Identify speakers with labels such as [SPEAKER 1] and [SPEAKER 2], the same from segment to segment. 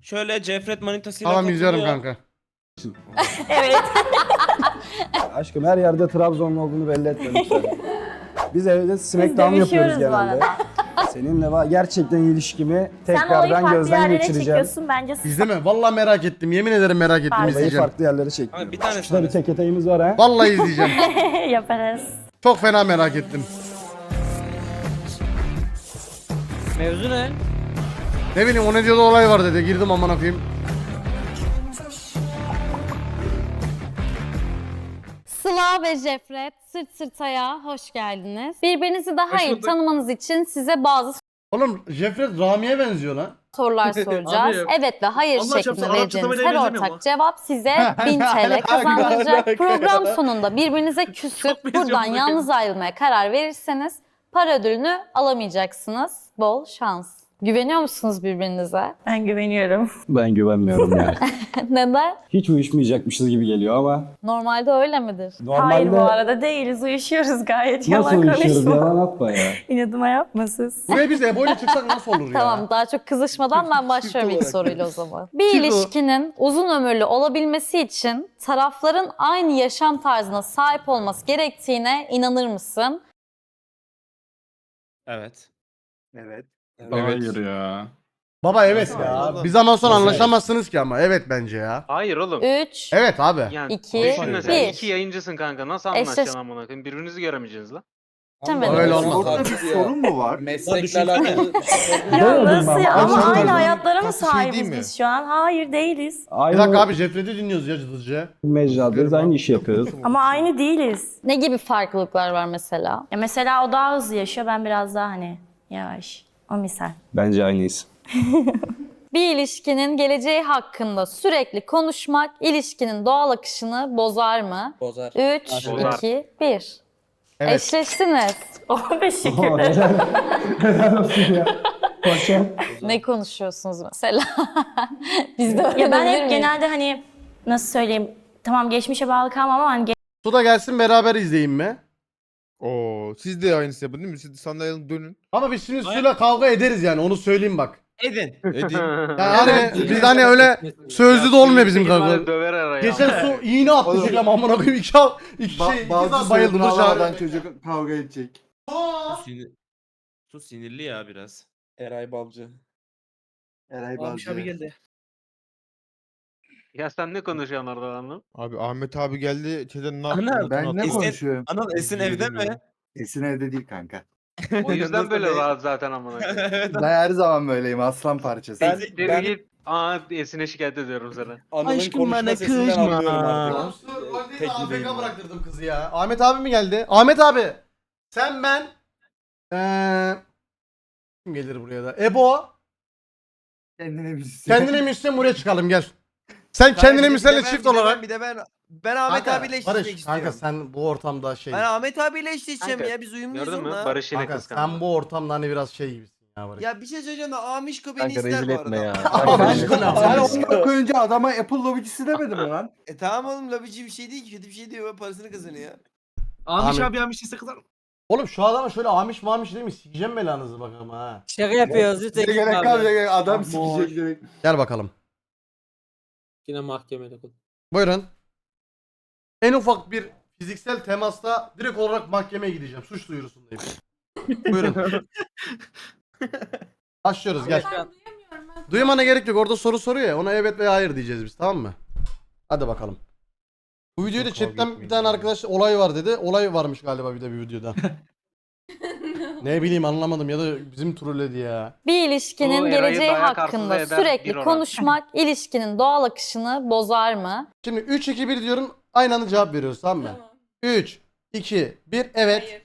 [SPEAKER 1] Şöyle Cefret manitasıyla
[SPEAKER 2] Tamam izliyorum
[SPEAKER 1] takılıyor.
[SPEAKER 2] kanka.
[SPEAKER 3] Evet.
[SPEAKER 4] Aşkım her yerde Trabzonlu olduğunu belli etme lütfen. Biz evde Smackdown yapıyoruz
[SPEAKER 3] dövüşüyoruz bu
[SPEAKER 4] genelde.
[SPEAKER 3] arada.
[SPEAKER 4] Seninle gerçekten ilişkimi
[SPEAKER 3] Sen olayı
[SPEAKER 4] tekrardan
[SPEAKER 3] farklı
[SPEAKER 4] gözden
[SPEAKER 3] yerlere
[SPEAKER 4] geçireceğim.
[SPEAKER 3] çekiyorsun bence.
[SPEAKER 2] İzleme. Vallahi merak ettim. Yemin ederim merak ettim
[SPEAKER 3] Olayı
[SPEAKER 4] Olayı
[SPEAKER 2] izleyeceğim.
[SPEAKER 4] farklı yerlere çektim.
[SPEAKER 1] Abi bir tane
[SPEAKER 4] Şurada bir tek eteğimiz var ha.
[SPEAKER 2] Vallahi izleyeceğim.
[SPEAKER 3] Yaparız.
[SPEAKER 2] Çok fena merak ettim.
[SPEAKER 5] Mevzu ne?
[SPEAKER 2] Ne bileyim o ne diyordu olay var dedi. Girdim amına koyayım.
[SPEAKER 6] Sıla ve Jefret sırt sırtaya hoş geldiniz. Birbirinizi daha iyi tanımanız için size bazı
[SPEAKER 2] Oğlum Jefret Rami'ye benziyor lan.
[SPEAKER 6] sorular soracağız.
[SPEAKER 7] Abi,
[SPEAKER 6] Evet ve hayır
[SPEAKER 7] Allah
[SPEAKER 6] şeklinde
[SPEAKER 7] çarpsın, Arapça
[SPEAKER 6] vereceğiniz
[SPEAKER 7] tabela
[SPEAKER 6] her
[SPEAKER 7] benzemiyor mu?
[SPEAKER 6] ortak cevap size 1000 TL kazandıracak. Program sonunda birbirinize küsüp
[SPEAKER 7] Çok benziyor
[SPEAKER 6] buradan
[SPEAKER 7] buna.
[SPEAKER 6] yalnız ayrılmaya karar verirseniz para ödülünü alamayacaksınız. Bol şans. Güveniyor musunuz birbirinize?
[SPEAKER 3] Ben güveniyorum.
[SPEAKER 4] Ben güvenmiyorum yani.
[SPEAKER 6] Neden?
[SPEAKER 4] Hiç uyuşmayacakmışız gibi geliyor ama.
[SPEAKER 6] Normalde öyle midir?
[SPEAKER 4] Normalde
[SPEAKER 3] Hayır bu arada değiliz. Uyuşuyoruz gayet.
[SPEAKER 4] nasıl
[SPEAKER 3] Yalan
[SPEAKER 4] uyuşuyoruz?
[SPEAKER 3] konuşma.
[SPEAKER 4] Yalan atma ya.
[SPEAKER 6] İnadıma yapmasız.
[SPEAKER 2] Buraya biz Ebo ile çıksak nasıl olur ya?
[SPEAKER 6] Tamam, daha çok kızışmadan ben başlıyorum ilk soruyla o zaman. Bir
[SPEAKER 2] Çift o.
[SPEAKER 6] ilişkinin uzun ömürlü olabilmesi için tarafların aynı yaşam tarzına sahip olması gerektiğine inanır mısın?
[SPEAKER 1] Evet.
[SPEAKER 7] Evet.
[SPEAKER 8] Hayır ya.
[SPEAKER 2] Baba evet ya. Bir zaman sonra anlaşamazsınız ki ama. Evet bence ya.
[SPEAKER 9] Hayır oğlum.
[SPEAKER 6] 3,
[SPEAKER 2] Evet abi.
[SPEAKER 9] Yani
[SPEAKER 6] İki,
[SPEAKER 9] düşün mesela
[SPEAKER 6] bir.
[SPEAKER 9] iki yayıncısın kanka. Nasıl
[SPEAKER 6] Eşleş-
[SPEAKER 9] anlaşacaksın amına koyayım? Birbirinizi göremeyeceksiniz lan.
[SPEAKER 2] Öyle olmaz.
[SPEAKER 7] Orada bir sorun mu var?
[SPEAKER 1] Meslekle alakalı.
[SPEAKER 3] Ya nasıl ya? Ama
[SPEAKER 4] Ama
[SPEAKER 3] aynı hayatlara mı
[SPEAKER 7] Tatlı şey
[SPEAKER 3] sahibiz
[SPEAKER 7] değil mi?
[SPEAKER 3] biz şu an? Hayır değiliz.
[SPEAKER 2] Bir
[SPEAKER 4] Aynı
[SPEAKER 2] dakika abi Jefret'i dinliyoruz ya hızlıca.
[SPEAKER 4] mecradayız, aynı işi yapıyoruz.
[SPEAKER 3] Ama aynı değiliz.
[SPEAKER 6] ne gibi farklılıklar var mesela?
[SPEAKER 3] Ya mesela o daha hızlı yaşıyor. Ben biraz daha hani yavaş. O misal.
[SPEAKER 4] Bence aynıyız.
[SPEAKER 6] Bir ilişkinin geleceği hakkında sürekli konuşmak ilişkinin doğal akışını bozar mı?
[SPEAKER 1] Bozar.
[SPEAKER 6] 3,
[SPEAKER 9] Bozar.
[SPEAKER 6] 2, 1.
[SPEAKER 2] Evet.
[SPEAKER 6] Eşleştiniz.
[SPEAKER 3] Oh teşekkürler.
[SPEAKER 4] Helal olsun ya. Paşam.
[SPEAKER 6] Ne konuşuyorsunuz mesela? Biz de
[SPEAKER 3] Ya ben
[SPEAKER 6] öğrenebilir
[SPEAKER 3] hep
[SPEAKER 6] miyiz?
[SPEAKER 3] genelde hani nasıl söyleyeyim? Tamam geçmişe bağlı kalmam ama hani
[SPEAKER 2] Su da gelsin beraber izleyin mi?
[SPEAKER 7] Oo, siz de aynısı yapın değil mi? Siz sandalyeye dönün.
[SPEAKER 2] Ama biz şimdi suyla kavga ederiz yani onu söyleyeyim bak.
[SPEAKER 1] Edin.
[SPEAKER 7] Edin.
[SPEAKER 2] Yani hani biz hani öyle sözlü de olmuyor bizim kavga.
[SPEAKER 9] Döver araya.
[SPEAKER 2] Geçen su iğne attı şöyle amına koyayım iki saat bayıldı dışarı.
[SPEAKER 8] çocuk kavga edecek.
[SPEAKER 1] Su sinirli ya biraz.
[SPEAKER 7] Eray Balcı.
[SPEAKER 8] Eray
[SPEAKER 1] Abi geldi.
[SPEAKER 9] Ya sen ne konuşuyorsun orada lan?
[SPEAKER 7] Abi Ahmet abi geldi. Çeden ne yaptı?
[SPEAKER 1] Ana,
[SPEAKER 8] Ben ne
[SPEAKER 1] Esin-
[SPEAKER 8] konuşuyorum?
[SPEAKER 1] Anıl Esin evde mi?
[SPEAKER 8] Esin evde değil kanka.
[SPEAKER 9] O yüzden
[SPEAKER 1] Nasıl
[SPEAKER 9] böyle
[SPEAKER 1] değil?
[SPEAKER 9] rahat zaten amına koyayım.
[SPEAKER 1] Evet.
[SPEAKER 8] Ben her zaman böyleyim, aslan parçası.
[SPEAKER 9] Siktir git. Aa Esin'e şikayet ediyorum sana.
[SPEAKER 1] Aşkım bana kızma.
[SPEAKER 2] AFK bıraktırdım kızı ya. Ahmet abi mi geldi? Ahmet abi. Sen ben. Kim gelir buraya da? Ebo.
[SPEAKER 8] Kendine bir
[SPEAKER 2] Kendine müslen buraya çıkalım gel. Sen kendine müslenle çift olarak.
[SPEAKER 10] Bir de ben Ahmet
[SPEAKER 2] Kanka,
[SPEAKER 10] abiyle eşleşmek
[SPEAKER 2] Barış
[SPEAKER 10] istiyorum.
[SPEAKER 2] kanka sen bu ortamda şey.
[SPEAKER 10] Ben Ahmet abiyle eşleşeceğim
[SPEAKER 9] Kanka,
[SPEAKER 10] ya biz uyumluyuz
[SPEAKER 9] Gördün mü?
[SPEAKER 10] onunla.
[SPEAKER 9] Barış yine
[SPEAKER 2] Kanka
[SPEAKER 9] kıskandı.
[SPEAKER 2] sen bu ortamda hani biraz şey gibisin ya Barış.
[SPEAKER 10] Ya bir şey söyleyeceğim de Amişko beni
[SPEAKER 4] Kanka
[SPEAKER 10] ister
[SPEAKER 4] rezil
[SPEAKER 10] bu
[SPEAKER 4] etme
[SPEAKER 10] arada.
[SPEAKER 4] ya.
[SPEAKER 8] Sen onu koyunca adama Apple lobicisi demedin mi lan?
[SPEAKER 10] Tamam oğlum lobici bir şey değil ki kötü bir şey değil parasını kazanıyor.
[SPEAKER 7] Amiş
[SPEAKER 2] Ahmet-
[SPEAKER 7] abi Amiş ise kadar.
[SPEAKER 2] Oğlum şu adama şöyle amiş mamiş değil mi? Sikeceğim belanızı bakalım ha.
[SPEAKER 5] Şaka yapıyoruz.
[SPEAKER 8] Bize
[SPEAKER 5] Lütfen
[SPEAKER 8] gerek
[SPEAKER 5] abi.
[SPEAKER 8] kalmayacak, adam sikecek direkt.
[SPEAKER 2] Gel bakalım.
[SPEAKER 5] Yine mahkemede kul.
[SPEAKER 2] Buyurun. En ufak bir fiziksel temasta direkt olarak mahkemeye gideceğim. Suç duyurusundayım. Buyurun. Başlıyoruz gel. Duymana gerek yok. Orada soru soruyor ya. Ona evet veya hayır diyeceğiz biz, tamam mı? Hadi bakalım. Bu videoda
[SPEAKER 7] Çok
[SPEAKER 2] chatten
[SPEAKER 7] kavga
[SPEAKER 2] bir tane arkadaş olay var dedi. Olay varmış galiba bir de bir videoda. Ne bileyim anlamadım ya da bizim trolledi ya.
[SPEAKER 6] Bir ilişkinin
[SPEAKER 9] Bu Eray'ı
[SPEAKER 6] geleceği
[SPEAKER 9] dayak
[SPEAKER 6] hakkında
[SPEAKER 9] arsızlığı eder, bir
[SPEAKER 6] sürekli
[SPEAKER 9] oran.
[SPEAKER 6] konuşmak ilişkinin doğal akışını bozar mı?
[SPEAKER 2] Şimdi 3 2 1 diyorum. Aynı anda cevap veriyoruz, tamam mı? 3 2 1 evet.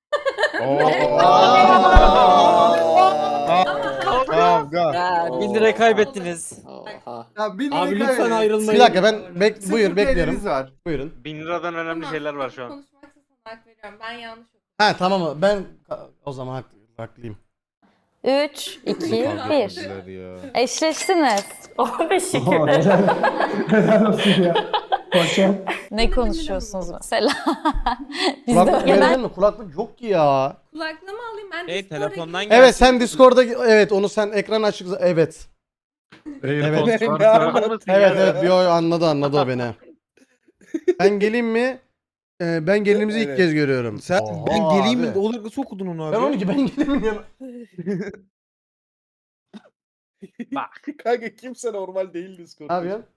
[SPEAKER 7] Kavga.
[SPEAKER 5] Ya 1000 lira kaybettiniz.
[SPEAKER 8] Ya bir
[SPEAKER 5] Abi lütfen ayrılmayın.
[SPEAKER 2] Bir dakika ben buyur bekliyorum.
[SPEAKER 8] Sıfır var.
[SPEAKER 2] Buyurun.
[SPEAKER 9] 1000 liradan önemli şeyler var şu an.
[SPEAKER 11] Konuşmaksa sana hak veriyorum. Ben yanlış okudum.
[SPEAKER 2] Ha tamam mı? Ben o zaman haklıyım.
[SPEAKER 6] 3, 2, 1.
[SPEAKER 7] Ya.
[SPEAKER 6] Eşleştiniz.
[SPEAKER 3] oh teşekkürler.
[SPEAKER 4] Helal olsun ya. Paşam.
[SPEAKER 6] Ne konuşuyorsunuz mesela? Biz
[SPEAKER 2] Kulaklık
[SPEAKER 6] de
[SPEAKER 2] verelim mi? Kulaklık yok ki ya.
[SPEAKER 11] Kulaklığımı alayım ben.
[SPEAKER 1] Hey
[SPEAKER 11] Discord'a
[SPEAKER 1] telefondan
[SPEAKER 11] gireyim.
[SPEAKER 1] gel.
[SPEAKER 2] Evet sen Discord'da evet onu sen ekran açık evet. Evet.
[SPEAKER 9] Anladın
[SPEAKER 2] Evet bir oy anladı o beni. Ben geleyim mi? Ben gelinimizi ilk
[SPEAKER 7] Evet.
[SPEAKER 2] kez görüyorum.
[SPEAKER 7] Sen
[SPEAKER 2] Oha
[SPEAKER 7] ben geleyim mi?
[SPEAKER 2] abi.
[SPEAKER 7] Olur nasıl okudun onu abi?
[SPEAKER 2] Ben 12 ben geleyim mi?
[SPEAKER 7] Kanka kimse normal değil Discord.
[SPEAKER 2] Ne yapıyorsun?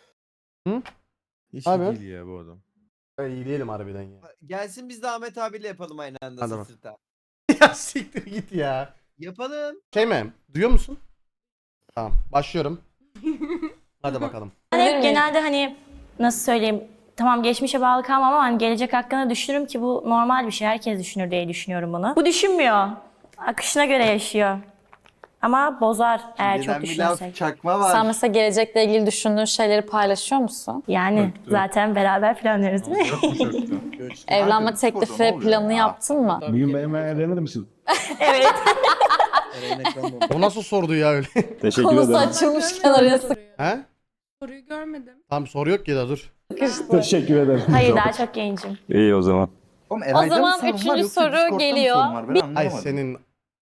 [SPEAKER 7] Hiç
[SPEAKER 2] Abi.
[SPEAKER 7] iyi değil ya bu adam.
[SPEAKER 2] Ben iyi değilim harbiden ya.
[SPEAKER 10] Gelsin biz de Ahmet abiyle yapalım aynı anda
[SPEAKER 2] Hadi
[SPEAKER 10] sırt
[SPEAKER 2] bak.
[SPEAKER 10] sırta.
[SPEAKER 2] Ya siktir git ya.
[SPEAKER 10] Yapalım.
[SPEAKER 2] Şey mi? Duyuyor musun? Tamam başlıyorum. Hadi bakalım.
[SPEAKER 3] Ben hep genelde hani nasıl söyleyeyim, tamam geçmişe bağlı kalmam ama hani gelecek hakkında düşünürüm ki bu normal bir şey. Herkes düşünür diye düşünüyorum bunu. Bu düşünmüyor. Akışına göre yaşıyor. Ama bozar eğer çok
[SPEAKER 8] Neden bir laf
[SPEAKER 3] düşünürsek.
[SPEAKER 8] çakma var.
[SPEAKER 6] Sen mesela gelecekle ilgili düşündüğün şeyleri paylaşıyor musun?
[SPEAKER 3] Yani zaten beraber planlıyoruz değil mi?
[SPEAKER 6] Evlenme
[SPEAKER 8] Discord'da ne
[SPEAKER 6] teklifi
[SPEAKER 8] oluyor
[SPEAKER 6] planını
[SPEAKER 8] ya?
[SPEAKER 6] yaptın mı?
[SPEAKER 4] Bugün benimle evlenir misin?
[SPEAKER 3] Evet.
[SPEAKER 2] O nasıl sordu ya öyle?
[SPEAKER 4] Teşekkür
[SPEAKER 6] Konusu
[SPEAKER 4] ederim.
[SPEAKER 6] açılmışken araya
[SPEAKER 2] He?
[SPEAKER 11] Soruyu görmedim.
[SPEAKER 2] Tamam soru yok ki da dur.
[SPEAKER 6] sıkıştı.
[SPEAKER 4] Teşekkür ederim.
[SPEAKER 3] Hayır daha çok gencim.
[SPEAKER 4] İyi o zaman.
[SPEAKER 8] Oğlum, Eray'da mı
[SPEAKER 6] zaman
[SPEAKER 8] sorun var,
[SPEAKER 6] üçüncü
[SPEAKER 8] yoksa
[SPEAKER 6] soru
[SPEAKER 8] Discord'da mı
[SPEAKER 6] geliyor.
[SPEAKER 8] sorun var? Ben
[SPEAKER 2] Ay
[SPEAKER 8] anlamadım.
[SPEAKER 2] senin...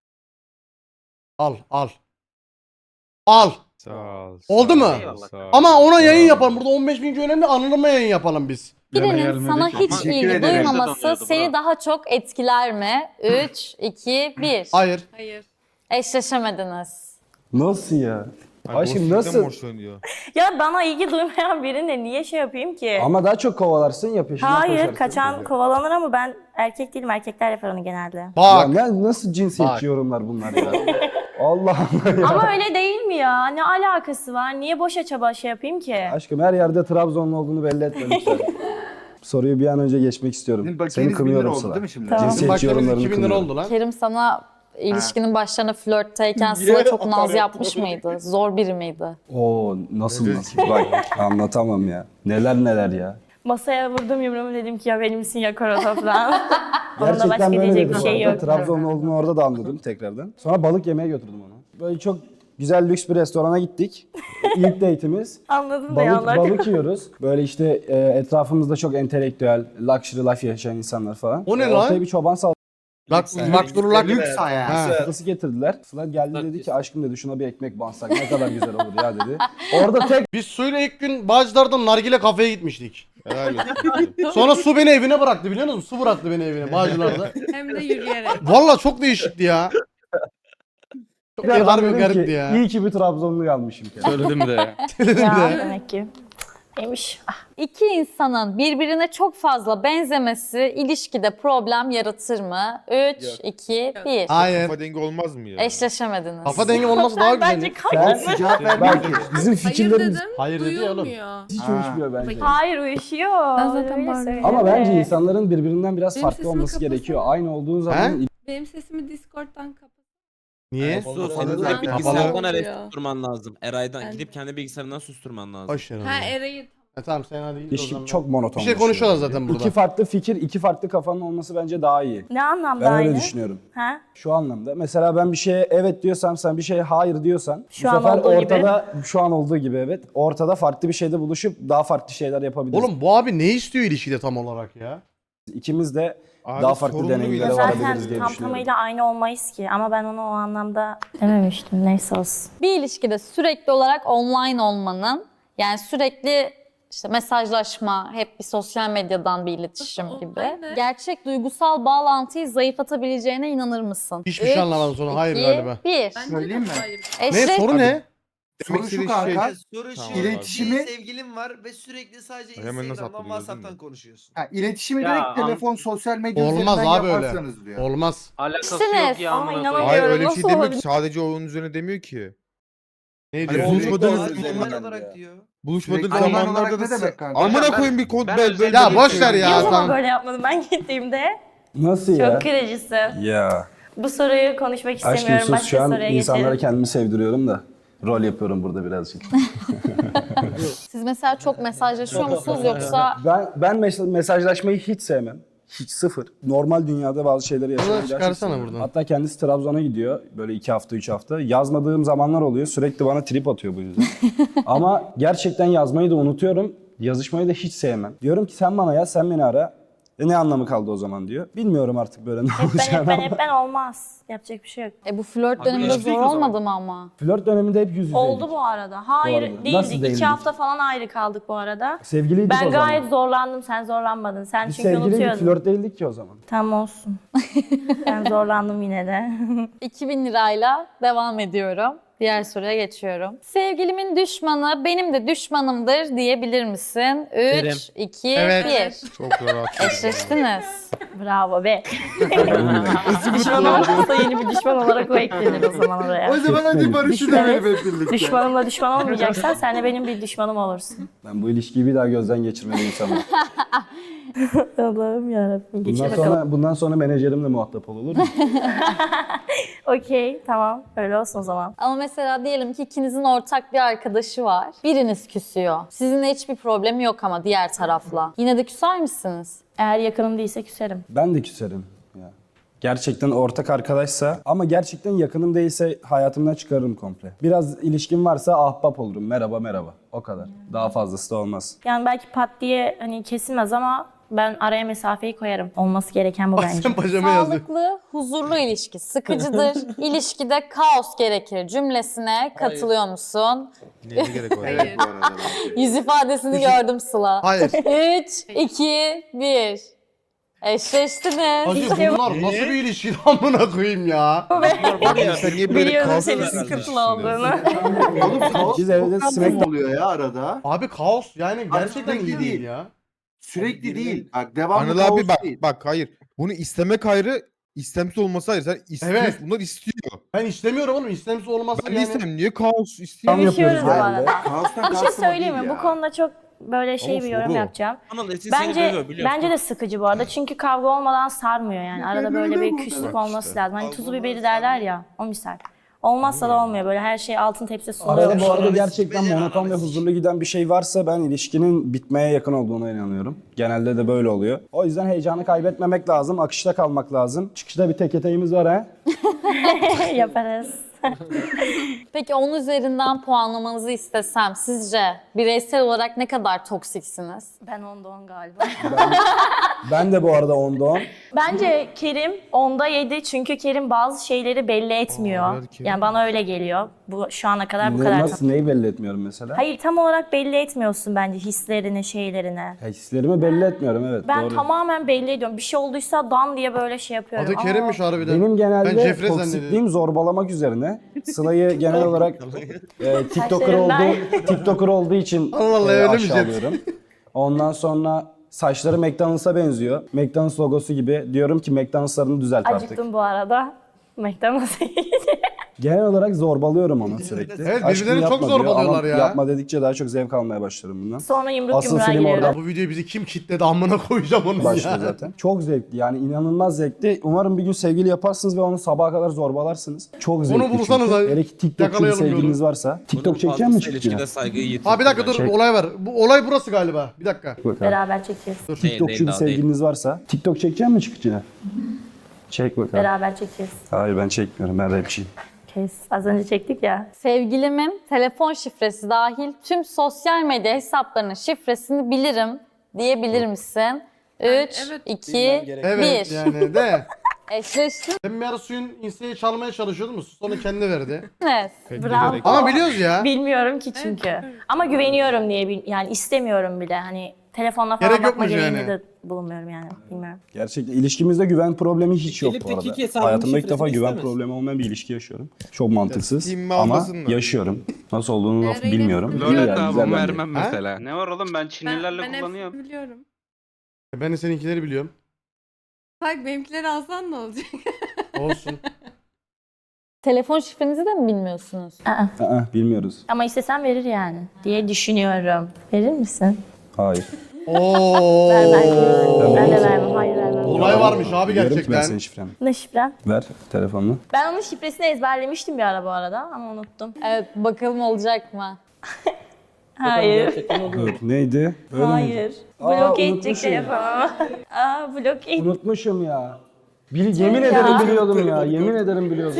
[SPEAKER 2] Al.
[SPEAKER 7] Sağ ol.
[SPEAKER 2] Oldu mu?
[SPEAKER 9] Eyvallah.
[SPEAKER 2] Ama ona yayın yapalım. Burada 15 bin önemli anılma yayın yapalım biz.
[SPEAKER 6] Birinin sana hiç
[SPEAKER 8] Teşekkür
[SPEAKER 6] ilgi
[SPEAKER 8] ederim.
[SPEAKER 6] duymaması
[SPEAKER 9] Donuyordu,
[SPEAKER 6] seni
[SPEAKER 9] bravo.
[SPEAKER 6] daha çok etkiler mi? 3, 2, 1.
[SPEAKER 2] Hayır.
[SPEAKER 11] Hayır.
[SPEAKER 6] Eşleşemediniz.
[SPEAKER 4] Nasıl ya? Aşkım
[SPEAKER 7] boşluktan
[SPEAKER 4] nasıl?
[SPEAKER 7] boşlanıyor.
[SPEAKER 3] Ya bana ilgi duymayan birine niye şey yapayım ki?
[SPEAKER 4] Ama daha çok kovalarsın ya peşinden
[SPEAKER 3] Hayır,
[SPEAKER 4] koşarsın.
[SPEAKER 3] kaçan kovalanır ama ben erkek değilim. Erkekler yapar onu genelde.
[SPEAKER 4] Ya
[SPEAKER 2] Bak.
[SPEAKER 4] nasıl cinsiyetçi
[SPEAKER 2] Bak.
[SPEAKER 4] yorumlar bunlar ya? Allah Allah ya.
[SPEAKER 3] Ama öyle değil mi ya? Ne alakası var? Niye boşa çaba şey yapayım ki?
[SPEAKER 4] Aşkım her yerde Trabzonlu olduğunu belli etme lütfen. Soruyu bir an önce geçmek istiyorum.
[SPEAKER 8] Sizin
[SPEAKER 4] Seni
[SPEAKER 8] bakiyeniz 1000 lira
[SPEAKER 4] kınıyorum
[SPEAKER 8] oldu
[SPEAKER 4] Sıla.
[SPEAKER 8] değil mi şimdi?
[SPEAKER 3] Tamam.
[SPEAKER 2] Bizim
[SPEAKER 4] Cinsiyetçi
[SPEAKER 2] bakiyemiz
[SPEAKER 4] yorumlarını
[SPEAKER 2] 2000 lira
[SPEAKER 4] kınıyorum.
[SPEAKER 2] oldu lan.
[SPEAKER 6] Kerim sana ilişkinin başlarına flörtteyken Sıla çok naz yapmış mıydı? Zor biri miydi?
[SPEAKER 4] Oo nasıl Bak anlatamam ya. Neler ya.
[SPEAKER 3] Masaya vurdum yumruğumu, dedim ki ya benimsin ya Korotop'lan. Onun da
[SPEAKER 4] Gerçekten
[SPEAKER 3] başka
[SPEAKER 4] böyle
[SPEAKER 3] diyecek
[SPEAKER 4] dedi
[SPEAKER 3] bir
[SPEAKER 4] bu
[SPEAKER 3] şey
[SPEAKER 4] arada.
[SPEAKER 3] yok.
[SPEAKER 4] Trabzonlu olduğunu orada da anladım tekrardan. Sonra balık yemeye götürdüm onu. Böyle çok güzel lüks bir restorana gittik. İlk date'imiz.
[SPEAKER 3] Anladım da ya
[SPEAKER 4] Balık yiyoruz. Böyle işte etrafımızda çok entelektüel, luxury life yaşayan insanlar falan.
[SPEAKER 2] O ne
[SPEAKER 4] Ortaya
[SPEAKER 2] lan?
[SPEAKER 4] bir çoban
[SPEAKER 2] Lak durulak.
[SPEAKER 8] Lüks hayat.
[SPEAKER 2] Ha.
[SPEAKER 4] salatası getirdiler. Sıla geldi dedi ki aşkım dedi şuna bir ekmek bansak ne kadar güzel olur ya dedi. Orada tek
[SPEAKER 2] Biz suyla ilk gün Bağcılar'dan nargile kafeye gitmiştik.
[SPEAKER 7] Helal olsun.
[SPEAKER 2] Sonra su beni evine bıraktı biliyor musun? Su bıraktı beni evine Bağcılar'da.
[SPEAKER 11] Hem de yürüyerek.
[SPEAKER 2] Valla çok değişikti ya. Çok
[SPEAKER 4] tekrardan
[SPEAKER 2] harbi
[SPEAKER 4] dedim
[SPEAKER 2] garipti
[SPEAKER 4] ki,
[SPEAKER 2] ya.
[SPEAKER 4] iyi ki bir Trabzonlu almışım.
[SPEAKER 1] Söyledim de.
[SPEAKER 2] Dedim
[SPEAKER 3] Ya
[SPEAKER 2] de.
[SPEAKER 3] demek ki. Neymiş?
[SPEAKER 6] İki insanın birbirine çok fazla benzemesi ilişkide problem yaratır mı? 3, 2, 1.
[SPEAKER 2] Hayır.
[SPEAKER 7] Kafa dengi olmaz mı ya?
[SPEAKER 6] Eşleşemediniz.
[SPEAKER 2] Kafa dengi olması daha
[SPEAKER 3] Bence
[SPEAKER 2] güzel.
[SPEAKER 3] kaybettim.
[SPEAKER 8] Cevap
[SPEAKER 4] Bak
[SPEAKER 8] vermiyor ki.
[SPEAKER 4] bizim
[SPEAKER 11] Hayır
[SPEAKER 4] fikirlerimiz
[SPEAKER 11] dedim.
[SPEAKER 2] Hayır dedi ya oğlum.
[SPEAKER 11] Duyulmuyor.
[SPEAKER 4] hiç
[SPEAKER 8] Ha.
[SPEAKER 4] uyuşmuyor bence.
[SPEAKER 3] Hayır uyuşuyor.
[SPEAKER 11] Ben zaten
[SPEAKER 3] Öyle
[SPEAKER 11] bağırıyorum.
[SPEAKER 3] söyleme.
[SPEAKER 4] Ama bence insanların birbirinden biraz
[SPEAKER 11] Benim
[SPEAKER 4] farklı
[SPEAKER 11] sesimi
[SPEAKER 4] olması
[SPEAKER 11] kapatsana.
[SPEAKER 4] gerekiyor. Aynı olduğu zaman
[SPEAKER 11] Benim sesimi Discord'dan kapat.
[SPEAKER 2] Niye?
[SPEAKER 1] Su
[SPEAKER 8] Kapalı
[SPEAKER 1] senin
[SPEAKER 8] zaten.
[SPEAKER 1] de bilgisayardan
[SPEAKER 11] Kapalı.
[SPEAKER 1] Eray'ı susturman lazım. Eray'dan
[SPEAKER 11] Ben
[SPEAKER 1] gidip kendi bilgisayarından susturman lazım.
[SPEAKER 2] Boş ver onu.
[SPEAKER 11] Ha Eray'ı.
[SPEAKER 2] Tamam sen hadi git o
[SPEAKER 4] İş
[SPEAKER 2] zaman.
[SPEAKER 4] çok monoton.
[SPEAKER 2] Bir şey konuşuyorlar zaten burada.
[SPEAKER 4] İki farklı fikir, iki farklı kafanın olması bence daha iyi.
[SPEAKER 3] Ne anlamda
[SPEAKER 4] Ben
[SPEAKER 3] aynı?
[SPEAKER 4] öyle düşünüyorum.
[SPEAKER 3] Ha?
[SPEAKER 4] Şu anlamda. Mesela ben bir şeye evet diyorsam, sen bir şeye hayır diyorsan,
[SPEAKER 3] Şu
[SPEAKER 4] bu
[SPEAKER 3] an
[SPEAKER 4] sefer
[SPEAKER 3] olduğu gibi.
[SPEAKER 4] ortada şu an olduğu gibi evet, ortada farklı bir şeyde buluşup daha farklı şeyler yapabiliriz.
[SPEAKER 2] Oğlum bu abi ne istiyor ilişkide tam olarak ya?
[SPEAKER 4] İkimiz de
[SPEAKER 7] Abi
[SPEAKER 4] daha farklı
[SPEAKER 7] sorunlu bir
[SPEAKER 4] deneyimlere
[SPEAKER 7] ilişki.
[SPEAKER 4] varabiliriz
[SPEAKER 3] Zaten
[SPEAKER 4] diye
[SPEAKER 3] tam
[SPEAKER 4] düşünüyorum.
[SPEAKER 3] tamıyla aynı olmayız ki. Ama ben onu o anlamda dememiştim. Neyse olsun.
[SPEAKER 6] Bir ilişkide sürekli olarak online olmanın, yani sürekli işte mesajlaşma, hep bir sosyal medyadan bir iletişim
[SPEAKER 11] Nasıl
[SPEAKER 6] gibi.
[SPEAKER 11] online ne?
[SPEAKER 6] Gerçek duygusal bağlantıyı zayıflatabileceğine inanır mısın?
[SPEAKER 2] Hiçbir şey anlamadım sonra. Hayır galiba.
[SPEAKER 6] 1.
[SPEAKER 11] Bence
[SPEAKER 8] Söyleyeyim
[SPEAKER 11] de
[SPEAKER 8] mi?
[SPEAKER 11] hayır.
[SPEAKER 2] Ne soru ne?
[SPEAKER 8] Soru
[SPEAKER 7] Demek
[SPEAKER 8] şu
[SPEAKER 7] istediği
[SPEAKER 8] kanka.
[SPEAKER 7] şey-
[SPEAKER 10] Soru şu.
[SPEAKER 7] Tamam.
[SPEAKER 8] İletişimi-
[SPEAKER 10] Bir sevgilin var ve sürekli sadece
[SPEAKER 7] Hemen nasıl
[SPEAKER 10] Instagram'dan,
[SPEAKER 7] atladın, gördün
[SPEAKER 10] WhatsApp'tan
[SPEAKER 7] mü?
[SPEAKER 10] konuşuyorsun.
[SPEAKER 8] Ha, iletişimi
[SPEAKER 9] Ya,
[SPEAKER 8] direkt telefon, sosyal medya
[SPEAKER 2] Olmaz
[SPEAKER 8] üzerinden
[SPEAKER 2] abi öyle.
[SPEAKER 8] yaparsanız diyor.
[SPEAKER 2] Olmaz.
[SPEAKER 9] Alakası
[SPEAKER 6] İşte
[SPEAKER 9] yok ya
[SPEAKER 3] Ama
[SPEAKER 9] amına
[SPEAKER 3] inanamıyorum.
[SPEAKER 9] koyayım.
[SPEAKER 7] Hayır öyle bir
[SPEAKER 3] Nasıl
[SPEAKER 7] şey demiyor
[SPEAKER 3] olabilir?
[SPEAKER 7] ki. Sadece onun üzerine demiyor ki.
[SPEAKER 2] Ne
[SPEAKER 7] Hani
[SPEAKER 2] diyor?
[SPEAKER 7] buluşmadığınız
[SPEAKER 10] Sürekli
[SPEAKER 8] üzerinden
[SPEAKER 10] online olarak
[SPEAKER 8] diyor.
[SPEAKER 10] diyor.
[SPEAKER 7] Buluşmadığınız
[SPEAKER 8] Sürekli online
[SPEAKER 7] zamanlarda
[SPEAKER 8] olarak
[SPEAKER 7] da
[SPEAKER 8] ne demek kanka?
[SPEAKER 7] amına
[SPEAKER 9] Ben-
[SPEAKER 7] koyayım bir konu
[SPEAKER 9] ben
[SPEAKER 7] ben
[SPEAKER 9] özellikle-
[SPEAKER 2] Ya boş ver
[SPEAKER 3] Niye
[SPEAKER 2] ya
[SPEAKER 3] o zaman
[SPEAKER 2] tamam.
[SPEAKER 3] böyle yapmadım ben gittiğimde?
[SPEAKER 4] Nasıl ya?
[SPEAKER 3] Çok kırıcısı.
[SPEAKER 4] Ya.
[SPEAKER 3] Bu soruyu konuşmak
[SPEAKER 4] Aşkım
[SPEAKER 3] istemiyorum.
[SPEAKER 4] sus
[SPEAKER 3] Başka
[SPEAKER 4] şu an
[SPEAKER 3] soruya
[SPEAKER 4] insanlara
[SPEAKER 3] geçelim.
[SPEAKER 4] kendimi sevdiriyorum da. Rol yapıyorum burada birazcık.
[SPEAKER 6] Siz mesela çok mesajlaşıyor musunuz yoksa
[SPEAKER 4] Ben mesajlaşmayı hiç sevmem. Hiç sıfır. Normal dünyada bazı şeyleri yaşamayı
[SPEAKER 2] Bunu çıkarsana
[SPEAKER 4] gerçekten seviyorum.
[SPEAKER 2] buradan.
[SPEAKER 4] Hatta kendisi Trabzon'a gidiyor. Böyle 2 hafta 3 hafta. Yazmadığım zamanlar oluyor. Sürekli bana trip atıyor bu yüzden. Ama gerçekten yazmayı da unutuyorum. Yazışmayı da hiç sevmem. Diyorum ki sen bana yaz, sen beni ara. Ne anlamı kaldı o zaman diyor. Bilmiyorum artık böyle ne olacağını.
[SPEAKER 3] Hep ben olmaz. Yapacak bir şey yok.
[SPEAKER 6] Bu flört
[SPEAKER 1] Abi
[SPEAKER 6] döneminde
[SPEAKER 1] ilişki
[SPEAKER 6] zor
[SPEAKER 1] o zaman.
[SPEAKER 6] olmadı mı ama?
[SPEAKER 4] Flört döneminde hep yüz yüzeydik.
[SPEAKER 3] Oldu bu arada. Hayır
[SPEAKER 4] arada.
[SPEAKER 3] değildik.
[SPEAKER 4] Nasıl
[SPEAKER 3] 2
[SPEAKER 4] değildik?
[SPEAKER 3] hafta falan ayrı kaldık bu arada.
[SPEAKER 4] Sevgiliydik
[SPEAKER 3] Ben
[SPEAKER 4] o zaman.
[SPEAKER 3] gayet zorlandım. Sen zorlanmadın. Sen
[SPEAKER 4] Biz
[SPEAKER 3] çünkü
[SPEAKER 4] sevgiliydik,
[SPEAKER 3] unutuyordun.
[SPEAKER 4] flört değildik ki o zaman.
[SPEAKER 3] Tam olsun. Ben zorlandım yine de.
[SPEAKER 6] 2000 lirayla devam ediyorum. Diğer soruya geçiyorum. Sevgilimin düşmanı benim de düşmanımdır diyebilir misin? 3, 2,
[SPEAKER 2] Evet.
[SPEAKER 6] 1.
[SPEAKER 7] Çok rahat.
[SPEAKER 6] Eşleştiniz.
[SPEAKER 3] Bravo be. Düşman olmazsa yeni bir düşman olarak o eklenir o zaman oraya.
[SPEAKER 8] O zaman hadi barışı
[SPEAKER 3] Düşman-
[SPEAKER 8] denelim hep birlikte.
[SPEAKER 3] Düşmanımla düşman olmayacaksan sen de benim bir düşmanım olursun.
[SPEAKER 4] Ben bu ilişkiyi bir daha gözden geçirmeliyim sana.
[SPEAKER 3] Allah'ım yarabbim. Geçin bakalım.
[SPEAKER 4] Bundan sonra menajerimle muhatap olur mu?
[SPEAKER 3] Okey tamam öyle olsun o zaman.
[SPEAKER 6] Ama mesela diyelim ki ikinizin ortak bir arkadaşı var. Biriniz küsüyor. Sizinle hiçbir problemi yok ama diğer tarafla. Yine de küser misiniz?
[SPEAKER 3] Eğer yakınım değilse küserim.
[SPEAKER 4] Ben de küserim. Ya. Gerçekten ortak arkadaşsa ama gerçekten yakınım değilse hayatımdan çıkarırım komple. Biraz ilişkim varsa ahbap olurum. Merhaba merhaba. O kadar. Daha fazlası da olmaz.
[SPEAKER 3] Yani belki pat diye hani kesilmez ama ben araya mesafeyi koyarım. Olması gereken bu bence.
[SPEAKER 2] Sen pajama yazıyor.
[SPEAKER 6] Sağlıklı, huzurlu ilişki sıkıcıdır. İlişkide kaos gerekir cümlesine katılıyor musun?
[SPEAKER 7] Neye gerek var?
[SPEAKER 11] Hayır.
[SPEAKER 6] Yüz ifadesini gördüm Sıla.
[SPEAKER 2] Hayır.
[SPEAKER 6] 3, 2, 1. Eşleştiniz.
[SPEAKER 2] Hacı bunlar nasıl bir ilişki amına koyayım ya.
[SPEAKER 7] Var ya sen niye böyle
[SPEAKER 3] Biliyorum
[SPEAKER 7] kalsın?
[SPEAKER 3] senin sıkıntılı olduğunu.
[SPEAKER 8] Oğlum kaos
[SPEAKER 4] Biz evde
[SPEAKER 8] çok
[SPEAKER 4] Smackdown-
[SPEAKER 8] oluyor ya arada.
[SPEAKER 2] Abi kaos yani gerçekten
[SPEAKER 8] sürekli
[SPEAKER 2] iyi değil
[SPEAKER 8] değil.
[SPEAKER 2] ya.
[SPEAKER 8] Sürekli değil. Bak devamlı
[SPEAKER 7] Anıl
[SPEAKER 8] kaos
[SPEAKER 7] abi bak
[SPEAKER 8] değil.
[SPEAKER 7] bak hayır. Bunu istemek ayrı, istemsiz olması ayrı. Sen istiyorsun,
[SPEAKER 2] Evet.
[SPEAKER 7] bunlar istiyor.
[SPEAKER 2] Ben istemiyorum oğlum. İstemsiz olması
[SPEAKER 7] Ben de
[SPEAKER 2] yani.
[SPEAKER 7] istemem. Niye kaos
[SPEAKER 4] Tam
[SPEAKER 7] istiyorsun?
[SPEAKER 4] yapıyoruz
[SPEAKER 3] Görüşüyoruz bu
[SPEAKER 4] genelde.
[SPEAKER 3] arada.
[SPEAKER 8] Kaostan
[SPEAKER 3] Bir şey
[SPEAKER 8] kastım o
[SPEAKER 3] söyleyeyim
[SPEAKER 8] değil
[SPEAKER 3] mi?
[SPEAKER 8] ya.
[SPEAKER 3] Bu konuda çok böyle şey
[SPEAKER 7] Ama
[SPEAKER 3] bir yorum
[SPEAKER 7] soru.
[SPEAKER 3] yapacağım.
[SPEAKER 1] Anıl Esin seni
[SPEAKER 3] Bence
[SPEAKER 1] dövüyor biliyorsun.
[SPEAKER 3] bence de sıkıcı bu arada. Çünkü kavga olmadan sarmıyor yani. Arada böyle bir küslük olması lazım. Hani tuzu biberi derler ya. O misal. Olmazsa da olmuyor. Böyle her şey altın tepsi sunuluyor.
[SPEAKER 4] Arada bu arada
[SPEAKER 10] Analiz,
[SPEAKER 4] gerçekten
[SPEAKER 10] becer
[SPEAKER 4] monoton ve
[SPEAKER 10] analiz.
[SPEAKER 4] huzurlu giden bir şey varsa ben ilişkinin bitmeye yakın olduğuna inanıyorum. Genelde de böyle oluyor. O yüzden heyecanı kaybetmemek lazım, akışta kalmak lazım. Çıkışta bir tek eteğimiz var ha.
[SPEAKER 3] Yaparız.
[SPEAKER 6] Peki 10 üzerinden puanlamanızı istesem sizce bireysel olarak ne kadar toksiksiniz?
[SPEAKER 3] Ben 10'da 10 galiba.
[SPEAKER 4] Ben de bu arada 10'da 10.
[SPEAKER 3] Bence Kerim 10'da 7 çünkü Kerim bazı şeyleri belli etmiyor.
[SPEAKER 7] belki.
[SPEAKER 3] Yani bana öyle geliyor. Bu şu ana kadar bu kadar.
[SPEAKER 4] Nasıl, neyi belli etmiyorum mesela?
[SPEAKER 3] Hayır tam olarak belli etmiyorsun bence hislerini, şeylerini.
[SPEAKER 4] Ya hislerimi belli etmiyorum, evet,
[SPEAKER 3] Ben
[SPEAKER 4] doğru.
[SPEAKER 3] tamamen belli ediyorum. Bir şey olduysa dan diye böyle şey yapıyorum.
[SPEAKER 2] Adı Kerim'miş harbiden.
[SPEAKER 4] Benim
[SPEAKER 2] Ben
[SPEAKER 4] genelde
[SPEAKER 2] Jeffrey
[SPEAKER 4] toksikliğim zorbalamak üzerine. Sıla'yı genel olarak TikToker olduğu için
[SPEAKER 2] Allah Allah, öyle mi Jet?
[SPEAKER 4] aşağılıyorum. Ondan sonra saçları McDonald's'a benziyor. McDonald's logosu gibi. Diyorum ki McDonald's'larını düzelt artık.
[SPEAKER 3] Acıktım bu arada. McDonald's'a
[SPEAKER 4] Genel olarak zorbalıyorum onu sürekli.
[SPEAKER 2] Evet,
[SPEAKER 4] Aşkım
[SPEAKER 2] birbirlerini çok
[SPEAKER 4] yapma diyor
[SPEAKER 2] zorbalıyorlar
[SPEAKER 4] ama
[SPEAKER 2] ya.
[SPEAKER 4] Yapma dedikçe daha çok zevk almaya başlarım bundan.
[SPEAKER 3] Sonra yumruk
[SPEAKER 4] Asıl
[SPEAKER 3] yumruğa
[SPEAKER 4] film
[SPEAKER 3] giriyorum.
[SPEAKER 4] orada
[SPEAKER 2] Bu videoyu bizi kim kitledi amına koyacağım onu
[SPEAKER 4] başlıyor
[SPEAKER 2] ya.
[SPEAKER 4] zaten. Çok zevkli, yani inanılmaz zevkli. Umarım bir gün sevgili yaparsınız ve onu sabaha kadar zorbalarsınız. Çok zevkli
[SPEAKER 2] bulsanız
[SPEAKER 4] çünkü.
[SPEAKER 2] ha,
[SPEAKER 4] Hele ki TikTokçu bir
[SPEAKER 2] yakalayalım
[SPEAKER 4] sevgiliniz
[SPEAKER 2] yolu.
[SPEAKER 4] varsa. TikTok çekecek mi çıkacak?
[SPEAKER 1] İlişkide saygıyı yitir.
[SPEAKER 2] Ha bir dakika dur,
[SPEAKER 4] Çek.
[SPEAKER 2] olay var. Bu olay burası galiba. Bir dakika.
[SPEAKER 3] Beraber çekeceğiz.
[SPEAKER 4] TikTokçu bir sevgiliniz varsa. TikTok çekecek mi çıkacak? Çek bakalım.
[SPEAKER 3] Beraber çekeceğiz.
[SPEAKER 4] Hayır, ben çekmiyorum, ben rapçiyim.
[SPEAKER 3] Kes. Az önce çektik ya.
[SPEAKER 6] Sevgilimin telefon şifresi dahil tüm sosyal medya hesaplarının şifresini bilirim diyebilir misin? 3,
[SPEAKER 11] evet.
[SPEAKER 6] 2,
[SPEAKER 2] Evet
[SPEAKER 6] 1.
[SPEAKER 2] yani de.
[SPEAKER 6] Eşleştiniz.
[SPEAKER 2] Ben bir ara suyun insta'yı çalmaya çalışıyordum. Sonra kendi verdi.
[SPEAKER 3] Bravo.
[SPEAKER 2] Ama biliyoruz ya.
[SPEAKER 3] Bilmiyorum ki çünkü. Ama güveniyorum diye yani istemiyorum bile. Hani telefonla falan
[SPEAKER 2] Gerek
[SPEAKER 3] bakma
[SPEAKER 2] yokmuş
[SPEAKER 3] gereğinde
[SPEAKER 2] yani.
[SPEAKER 3] de bulunmuyorum yani. Bilmiyorum.
[SPEAKER 4] Gerçekten ilişkimizde güven problemi hiç yok bu
[SPEAKER 5] Elif'teki iki
[SPEAKER 4] arada.
[SPEAKER 5] hesabın
[SPEAKER 4] Hayatımda ilk defa
[SPEAKER 5] şifresini
[SPEAKER 4] güven
[SPEAKER 5] istemez.
[SPEAKER 4] problemi olmayan bir ilişki yaşıyorum. Çok mantıksız
[SPEAKER 7] Steam
[SPEAKER 4] ama
[SPEAKER 7] almasın da.
[SPEAKER 4] yaşıyorum. Nasıl olduğunu
[SPEAKER 11] Nereye
[SPEAKER 4] bilmiyorum.
[SPEAKER 11] gidiyorsun?
[SPEAKER 4] Güzel,
[SPEAKER 1] Lola
[SPEAKER 4] güzel
[SPEAKER 1] tavuğumu
[SPEAKER 4] bence.
[SPEAKER 1] vermem mesela.
[SPEAKER 9] Ne var oğlum ben Çinlilerle
[SPEAKER 11] Ben
[SPEAKER 9] kullanıyorum.
[SPEAKER 11] hepsini biliyorum.
[SPEAKER 2] Ben de seninkileri biliyorum.
[SPEAKER 11] Bak benimkileri alsan ne olacak?
[SPEAKER 2] Olsun.
[SPEAKER 6] Telefon şifrenizi de mi bilmiyorsunuz?
[SPEAKER 4] Bilmiyoruz.
[SPEAKER 3] Ama istesem verir yani diye düşünüyorum. Verir misin?
[SPEAKER 4] Hayır.
[SPEAKER 2] Oo.
[SPEAKER 3] Vermem. Ben de vermem. Hayır vermem.
[SPEAKER 2] Olay varmış abi
[SPEAKER 4] Biliyorum ki ben
[SPEAKER 2] gerçekten.
[SPEAKER 4] senin şifreni.
[SPEAKER 3] Ne şifren?
[SPEAKER 4] Ver telefonunu.
[SPEAKER 3] Ben onun şifresini ezberlemiştim bir ara bu arada ama unuttum.
[SPEAKER 6] Evet bakalım olacak mı?
[SPEAKER 3] Hayır.
[SPEAKER 5] Gerçekten oldu.
[SPEAKER 4] Dur, neydi? Öyle miydi?
[SPEAKER 3] Hayır.
[SPEAKER 4] Aa,
[SPEAKER 3] Bloke edecek
[SPEAKER 4] unutmuşum.
[SPEAKER 3] telefonu. Aa bloke et.
[SPEAKER 4] Unutmuşum ya. Yemin ederim biliyordum ya. Yemin ederim biliyordum.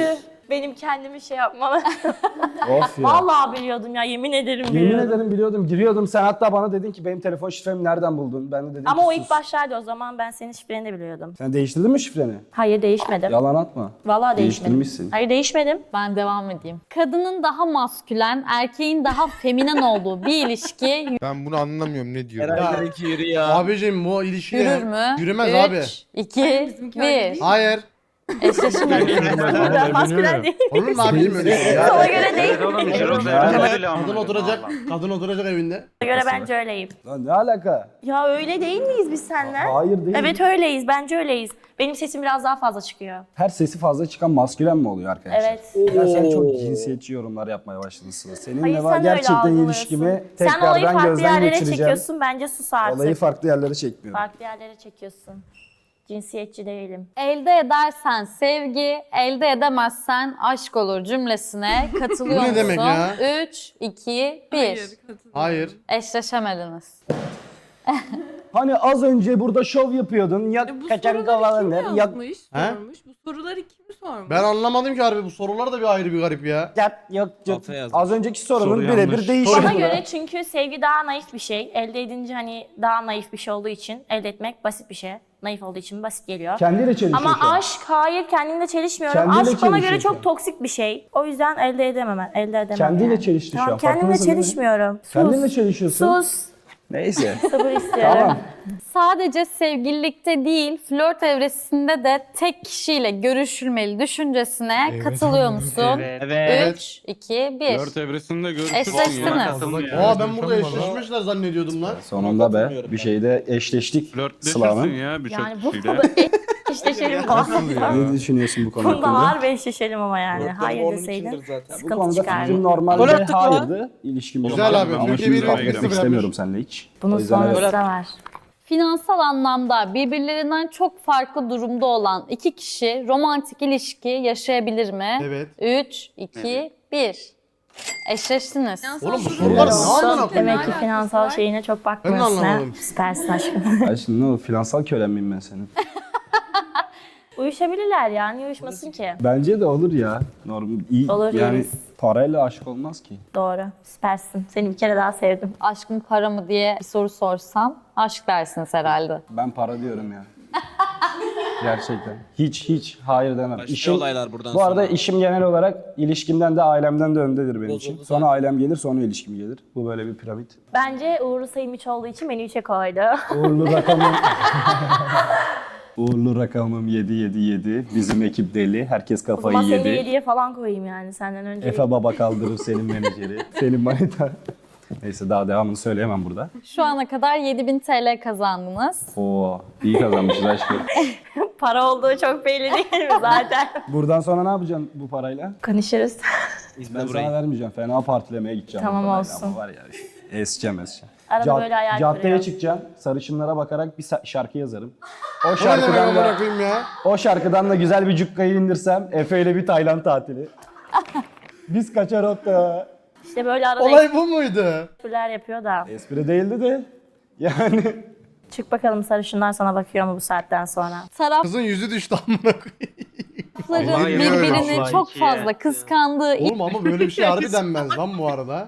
[SPEAKER 3] Benim kendimi şey yapmam.
[SPEAKER 4] Of ya.
[SPEAKER 3] Vallahi biliyordum ya, yemin ederim
[SPEAKER 4] Yemin
[SPEAKER 3] biliyordum.
[SPEAKER 4] ederim biliyordum, giriyordum. Sen hatta bana dedin ki benim telefon şifremi nereden buldun? Ben de dedim
[SPEAKER 3] Ama
[SPEAKER 4] ki
[SPEAKER 3] o
[SPEAKER 4] sus.
[SPEAKER 3] ilk başlarda, o zaman ben senin şifreni de biliyordum.
[SPEAKER 4] Sen değiştirdin mi şifreni?
[SPEAKER 3] Hayır, değişmedim.
[SPEAKER 4] Yalan atma.
[SPEAKER 3] Vallahi değişmedim.
[SPEAKER 4] Değiştirmişsin.
[SPEAKER 3] Hayır, değişmedim.
[SPEAKER 6] Ben devam edeyim. Kadının daha maskülen, erkeğin daha feminen olduğu bir ilişki
[SPEAKER 7] Ben bunu anlamıyorum ne diyor.
[SPEAKER 1] Eray'daki yürü ya.
[SPEAKER 2] Abicim bu ilişki
[SPEAKER 6] yürür mü?
[SPEAKER 2] Yürümez abi.
[SPEAKER 6] 3, 2,
[SPEAKER 11] Bizimki öyle
[SPEAKER 6] 1.
[SPEAKER 11] değil.
[SPEAKER 2] Hayır.
[SPEAKER 6] Eşleşemediniz.
[SPEAKER 3] Ben maskülen değil.
[SPEAKER 2] Olur mu abicim öyle şey
[SPEAKER 3] Ona
[SPEAKER 2] ya?
[SPEAKER 3] göre değil.
[SPEAKER 9] Evet oğlum içeri olsa
[SPEAKER 4] Ya.
[SPEAKER 9] öyle ama.
[SPEAKER 2] Kadın oturacak evinde.
[SPEAKER 3] Ona göre bence öyleyim.
[SPEAKER 4] Lan ne alaka?
[SPEAKER 3] Ya öyle değil miyiz biz seninle?
[SPEAKER 4] Hayır değil.
[SPEAKER 3] Evet öyleyiz, bence öyleyiz. Benim sesim biraz daha fazla çıkıyor.
[SPEAKER 4] Her sesi fazla çıkan maskülen mi oluyor arkadaşlar?
[SPEAKER 3] Evet.
[SPEAKER 4] Ya sen çok cinsiyetçi yorumlar yapmaya başladın Sıla. Seninle
[SPEAKER 3] Hayır,
[SPEAKER 4] var
[SPEAKER 3] sen öyle
[SPEAKER 4] gerçekten
[SPEAKER 3] algılıyorsun.
[SPEAKER 4] ilişkimi
[SPEAKER 3] Sen olayı
[SPEAKER 4] tekrardan
[SPEAKER 3] farklı
[SPEAKER 4] gözden
[SPEAKER 3] yerlere
[SPEAKER 4] geçireceğim.
[SPEAKER 3] çekiyorsun, bence sus artık.
[SPEAKER 4] Olayı farklı yerlere çekmiyorum.
[SPEAKER 3] Farklı yerlere çekiyorsun. Cinsiyetçi değilim.
[SPEAKER 6] Elde edersen sevgi, elde edemezsen aşk olur cümlesine katılıyor
[SPEAKER 2] Bu ne
[SPEAKER 6] musun?
[SPEAKER 2] demek ya?
[SPEAKER 6] 3, 2, 1.
[SPEAKER 11] Hayır, katılıyorum.
[SPEAKER 2] Hayır.
[SPEAKER 6] Eşleşemediniz.
[SPEAKER 4] Hani az önce burada şov yapıyordun. Ya
[SPEAKER 11] Bu
[SPEAKER 4] kaçan
[SPEAKER 11] soruları kim
[SPEAKER 4] kavalanır ya
[SPEAKER 11] yazmış,
[SPEAKER 2] He?
[SPEAKER 11] sormuş? Bu soruları kim sormuş?
[SPEAKER 2] Ben anlamadım ki harbi bu sorular da bir ayrı bir garip ya.
[SPEAKER 4] yat yok yok.
[SPEAKER 1] Alta yazmış.
[SPEAKER 4] Az önceki sorunun
[SPEAKER 1] Soru
[SPEAKER 4] birebir
[SPEAKER 1] yanlış.
[SPEAKER 4] değişiyor.
[SPEAKER 3] Bana göre çünkü sevgi daha naif bir şey. Elde edince hani daha naif bir şey olduğu için elde etmek basit bir şey. Naif olduğu için basit geliyor.
[SPEAKER 4] Kendiyle çelişiyor
[SPEAKER 3] Ama
[SPEAKER 4] şu an.
[SPEAKER 3] aşk, hayır, kendimle çelişmiyorum.
[SPEAKER 4] Kendiyle
[SPEAKER 3] Aşk bana göre
[SPEAKER 4] çelişiyor şu an.
[SPEAKER 3] çok toksik bir şey. O yüzden elde edemem. Elde edemem
[SPEAKER 4] Kendiyle
[SPEAKER 3] yani.
[SPEAKER 4] çelişti şu
[SPEAKER 3] Tamam,
[SPEAKER 4] an,
[SPEAKER 3] kendimle
[SPEAKER 4] farkındasın değil mi?
[SPEAKER 3] çelişmiyorum. Sus.
[SPEAKER 4] Kendinle çelişiyorsun.
[SPEAKER 3] Sus.
[SPEAKER 4] Neyse.
[SPEAKER 3] Sabır istiyorum.
[SPEAKER 4] Tamam.
[SPEAKER 6] Sadece sevgililikte değil, flört evresinde de tek kişiyle görüşülmeli düşüncesine katılıyor musun?
[SPEAKER 1] Evet.
[SPEAKER 6] 3, 2, 1.
[SPEAKER 5] evresinde
[SPEAKER 6] Eşleştiniz.
[SPEAKER 2] Aa ben burada eşleşmişler zannediyordum lan.
[SPEAKER 4] Sonunda be bir şeyde eşleştik Sıla'nın.
[SPEAKER 5] ya
[SPEAKER 3] Yani bu konuda eşleşelim
[SPEAKER 4] Ne düşünüyorsun bu konu
[SPEAKER 3] Bunda
[SPEAKER 4] hakkında?
[SPEAKER 3] harbi eşleşelim ama yani. Hayır deseydin
[SPEAKER 4] Bu
[SPEAKER 3] sıkıntı
[SPEAKER 4] konuda
[SPEAKER 3] çıkardı.
[SPEAKER 4] fikrim normalde hayırdı. İlişkim
[SPEAKER 2] Güzel
[SPEAKER 4] olmadı.
[SPEAKER 2] abi,
[SPEAKER 4] Ama
[SPEAKER 2] Türkiye
[SPEAKER 4] şimdi
[SPEAKER 2] bir
[SPEAKER 4] kavga
[SPEAKER 2] ülkesi
[SPEAKER 4] etmek istemiyorum seninle hiç.
[SPEAKER 3] Bunun
[SPEAKER 4] O yüzden evet.
[SPEAKER 3] sonrası da var.
[SPEAKER 6] Finansal anlamda birbirlerinden çok farklı durumda olan iki kişi romantik ilişki yaşayabilir mi?
[SPEAKER 2] Evet.
[SPEAKER 6] 3, 2, 1. Eşleştiniz.
[SPEAKER 2] Oğlum bu
[SPEAKER 11] Finansal
[SPEAKER 2] sorular ne
[SPEAKER 11] durum-
[SPEAKER 2] amına koyayım?
[SPEAKER 3] Demek ki
[SPEAKER 11] alakası
[SPEAKER 3] finansal
[SPEAKER 11] var?
[SPEAKER 3] şeyine çok
[SPEAKER 2] Ben de
[SPEAKER 3] bakmıyorsun ha.
[SPEAKER 2] anlamadım.
[SPEAKER 3] Süpersin aşkım.
[SPEAKER 4] Ay şimdi ne olur finansal kölen miyim ben senin?
[SPEAKER 3] Uyuşabilirler ya. Niye uyuşmasın ki?
[SPEAKER 4] Bence de olur ya. Normal iyi.
[SPEAKER 3] Olur,
[SPEAKER 4] yani
[SPEAKER 3] yeriz.
[SPEAKER 4] parayla aşk olmaz ki.
[SPEAKER 3] Doğru. Süpersin. Seni bir kere daha sevdim.
[SPEAKER 6] Aşk mı para mı diye bir soru sorsam aşk dersiniz herhalde.
[SPEAKER 4] Ben para diyorum ya. Gerçekten. Hiç hayır demem.
[SPEAKER 1] Başka olaylar buradan
[SPEAKER 4] bu arada
[SPEAKER 1] sonra.
[SPEAKER 4] işim genel olarak ilişkimden de ailemden de öndedir benim için. Sonra ailem gelir, sonra ilişkim gelir. Bu böyle bir piramit.
[SPEAKER 3] Bence uğurlu sayım 3 olduğu için beni 3'e koydu.
[SPEAKER 4] Uğurlu rakamım. Uğurlu rakamım 777. Bizim ekip deli. Herkes
[SPEAKER 3] O
[SPEAKER 4] kafayı
[SPEAKER 3] zaman seni de
[SPEAKER 4] yedi.
[SPEAKER 3] 7'ye falan koyayım yani senden önce.
[SPEAKER 4] Efe baba kaldırır senin menajeri. Senin manita. Neyse daha devamını söyleyemem burada.
[SPEAKER 6] Şu ana kadar 7000 TL kazandınız.
[SPEAKER 4] Oo, iyi kazanmışız aşkım.
[SPEAKER 3] Para olduğu çok belli değil mi zaten?
[SPEAKER 4] Buradan sonra ne yapacaksın bu parayla?
[SPEAKER 3] Konuşuruz.
[SPEAKER 4] Ben
[SPEAKER 1] İzle
[SPEAKER 4] sana
[SPEAKER 1] burayı.
[SPEAKER 4] vermeyeceğim. Fena partilemeye gideceğim.
[SPEAKER 3] Tamam,
[SPEAKER 4] bu parayla
[SPEAKER 3] olsun.
[SPEAKER 4] Ama var ya eseceğim.
[SPEAKER 3] Arada böyle hayal
[SPEAKER 4] Caddeye
[SPEAKER 3] kuruyor.
[SPEAKER 4] çıkacağım. Sarışınlara bakarak bir şarkı yazarım. O
[SPEAKER 2] Bu ne demek
[SPEAKER 4] şarkıdan
[SPEAKER 2] amına
[SPEAKER 4] da,
[SPEAKER 2] koyayım ya?
[SPEAKER 4] o şarkıdan da güzel bir cukkayı indirsem Efe ile bir Tayland tatili. Biz kaçar hatta.
[SPEAKER 3] İşte böyle arada
[SPEAKER 2] Olay bu muydu?
[SPEAKER 3] espriler yapıyor da.
[SPEAKER 4] Espri değildi de. Yani
[SPEAKER 3] Çık bakalım sarışınlar sana bakıyor mu bu saatten sonra?
[SPEAKER 2] Kızın yüzü düştü amına koyayım.
[SPEAKER 6] Tarafların
[SPEAKER 9] Vallahi
[SPEAKER 6] birbirini
[SPEAKER 9] öyle.
[SPEAKER 6] çok
[SPEAKER 9] İkiye.
[SPEAKER 6] fazla kıskandığı
[SPEAKER 2] Oğlum ama böyle bir şey harbi denmez lan bu arada.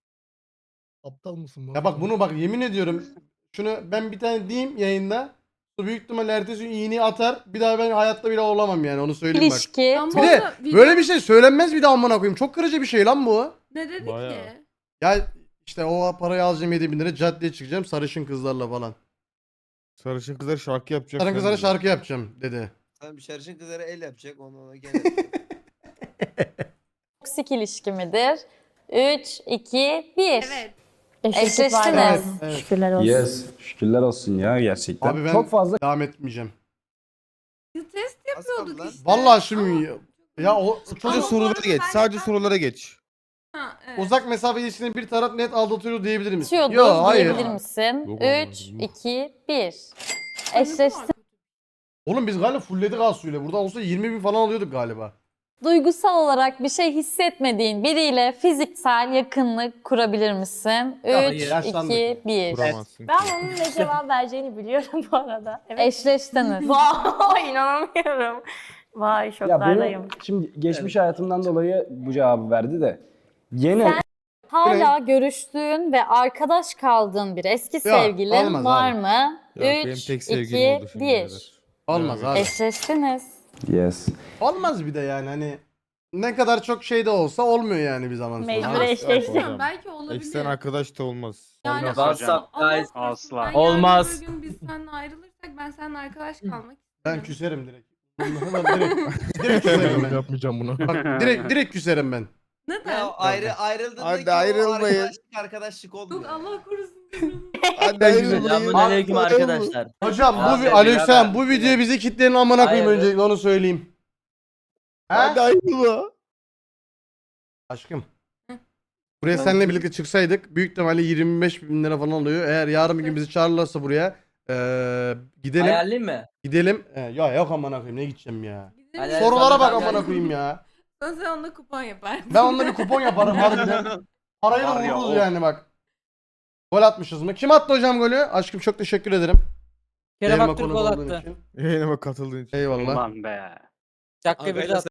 [SPEAKER 8] Aptal mısın?
[SPEAKER 2] Ya bak bunu bak yemin ediyorum. Şunu ben bir tane diyeyim yayında. Büyük ihtimalle ertesi gün iğneyi atar. Bir daha ben hayatta bile olamam yani onu söyleyeyim bak.
[SPEAKER 6] ilişki.
[SPEAKER 11] Ama
[SPEAKER 2] Bir de
[SPEAKER 11] video-
[SPEAKER 2] böyle bir şey söylenmez bir daha amına koyayım. Çok kırıcı bir şey lan bu.
[SPEAKER 11] Ne dedi
[SPEAKER 5] Bayağı.
[SPEAKER 11] ki?
[SPEAKER 2] Ya işte o parayı alacağım 7.000 lira caddeye çıkacağım sarışın kızlarla falan.
[SPEAKER 7] Sarışın kızlar şarkı yapacak.
[SPEAKER 2] Sarışın
[SPEAKER 7] sen
[SPEAKER 2] kızlara
[SPEAKER 7] de.
[SPEAKER 2] şarkı yapacağım dedi.
[SPEAKER 10] Tamam şarjın kızlara el yapacak onu gene.
[SPEAKER 6] Toksik ilişki midir? 3, 2, 1.
[SPEAKER 11] Evet.
[SPEAKER 3] Eşleştik var.
[SPEAKER 6] Eşleştiniz.
[SPEAKER 2] Evet, evet.
[SPEAKER 3] Şükürler olsun.
[SPEAKER 4] yes. Şükürler olsun ya gerçekten.
[SPEAKER 2] Abi ben
[SPEAKER 4] Çok fazla
[SPEAKER 2] devam etmeyeceğim.
[SPEAKER 11] Biz test yapıyorduk
[SPEAKER 10] lan.
[SPEAKER 11] işte.
[SPEAKER 2] Vallahi şimdi ya o
[SPEAKER 7] Sadece
[SPEAKER 2] çocuk
[SPEAKER 7] sorulara geç. Sadece sorulara geç.
[SPEAKER 11] Ha, evet.
[SPEAKER 2] uzak mesafe ilişkisinde bir taraf net aldatıyor diyebilir misin?
[SPEAKER 6] Atıyordur
[SPEAKER 2] Yok hayır.
[SPEAKER 6] diyebilir misin?
[SPEAKER 5] Yok,
[SPEAKER 6] 3, 2, 1. Eşleştiniz.
[SPEAKER 2] Oğlum biz galiba fullledik Asu'yla. Burada olsa 20.000 falan alıyorduk galiba.
[SPEAKER 6] Duygusal olarak bir şey hissetmediğin biriyle fiziksel yakınlık kurabilir misin?
[SPEAKER 2] Ya,
[SPEAKER 6] 3,
[SPEAKER 2] yaşlandık.
[SPEAKER 6] 2, 1.
[SPEAKER 7] Kuramazsın.
[SPEAKER 3] Ben onun ne cevap vereceğini biliyorum bu arada. Evet.
[SPEAKER 6] Eşleştiniz.
[SPEAKER 3] Vay inanamıyorum. Vay
[SPEAKER 4] Ya
[SPEAKER 3] şoklardayım.
[SPEAKER 4] benim şimdi geçmiş hayatımdan dolayı bu cevabı verdi de. Yeni
[SPEAKER 6] Hala görüştüğün ve arkadaş kaldığın bir eski sevgilin
[SPEAKER 2] olmaz
[SPEAKER 6] var
[SPEAKER 2] abi.
[SPEAKER 6] mı?
[SPEAKER 7] benim
[SPEAKER 6] 3,
[SPEAKER 7] tek sevgilim oldu
[SPEAKER 6] 2,
[SPEAKER 7] şimdiye
[SPEAKER 6] 1.
[SPEAKER 7] kadar.
[SPEAKER 2] Olmaz abi.
[SPEAKER 6] Eşleştiniz.
[SPEAKER 4] yes.
[SPEAKER 2] Olmaz bir de yani hani ne kadar çok şey de olsa olmuyor yani bir zaman sonra.
[SPEAKER 3] Mecbur
[SPEAKER 11] Ama
[SPEAKER 3] eşleştim.
[SPEAKER 11] bilmiyorum, belki olabilir.
[SPEAKER 7] Eksen arkadaş da olmaz.
[SPEAKER 11] Yani
[SPEAKER 9] Olmaz
[SPEAKER 11] ama-
[SPEAKER 9] hocam.
[SPEAKER 11] ama Allah korusun,
[SPEAKER 9] Asla.
[SPEAKER 11] ben yarın
[SPEAKER 1] Olmaz.
[SPEAKER 11] öbür gün biz seninle ayrılırsak ben seninle arkadaş kalmak
[SPEAKER 2] Ben
[SPEAKER 11] isterim.
[SPEAKER 2] küserim direkt. direkt küserim ben.
[SPEAKER 7] Yapmayacağım bunu.
[SPEAKER 2] Bak direkt küserim ben.
[SPEAKER 11] Neden?
[SPEAKER 10] Ya ayrıldığında
[SPEAKER 7] Hadi
[SPEAKER 10] ki o
[SPEAKER 7] ayrılmayın.
[SPEAKER 10] arkadaşlık olmuyor.
[SPEAKER 11] Yok Allah korusun.
[SPEAKER 7] Hadi ayrılmayın.
[SPEAKER 1] Selamünaleyküm arkadaşlar.
[SPEAKER 2] Hocam
[SPEAKER 1] Ya
[SPEAKER 2] bu
[SPEAKER 1] sen
[SPEAKER 2] Aleykümselam
[SPEAKER 1] birader.
[SPEAKER 2] bu video bizi kitlerin amına koyayım
[SPEAKER 1] Hayır.
[SPEAKER 2] öncelikle onu söyleyeyim.
[SPEAKER 7] Hadi
[SPEAKER 2] Ha?
[SPEAKER 7] ayrılma.
[SPEAKER 2] Aşkım. Buraya seninle birlikte çıksaydık büyük ihtimalle 25 bin lira falan oluyor. Eğer yarın bir gün bizi çağırırlarsa buraya gidelim.
[SPEAKER 1] Hayalin mi?
[SPEAKER 2] Gidelim. Ya yok amına koyayım ne gideceğim ya.
[SPEAKER 1] Hayal-
[SPEAKER 2] Sorulara bak
[SPEAKER 1] Hayal-
[SPEAKER 2] amına koyayım ya.
[SPEAKER 11] Sen onunla kupon yaparsın.
[SPEAKER 2] Ben onunla bir kupon yaparım harbiden. Parayı da
[SPEAKER 9] Var ya,
[SPEAKER 2] vururuz
[SPEAKER 9] o.
[SPEAKER 2] yani bak. Gol atmışız mı? Kim attı hocam golü? Aşkım çok teşekkür ederim.
[SPEAKER 5] Kerem
[SPEAKER 2] Yayınıma
[SPEAKER 5] Aktürk
[SPEAKER 2] konuk
[SPEAKER 5] gol
[SPEAKER 2] olduğun
[SPEAKER 5] attı.
[SPEAKER 2] için.
[SPEAKER 7] Yayınıma katıldığın için.
[SPEAKER 2] Eyvallah.
[SPEAKER 9] Ulan be.
[SPEAKER 5] Dakika bir
[SPEAKER 1] Arkadaşlar,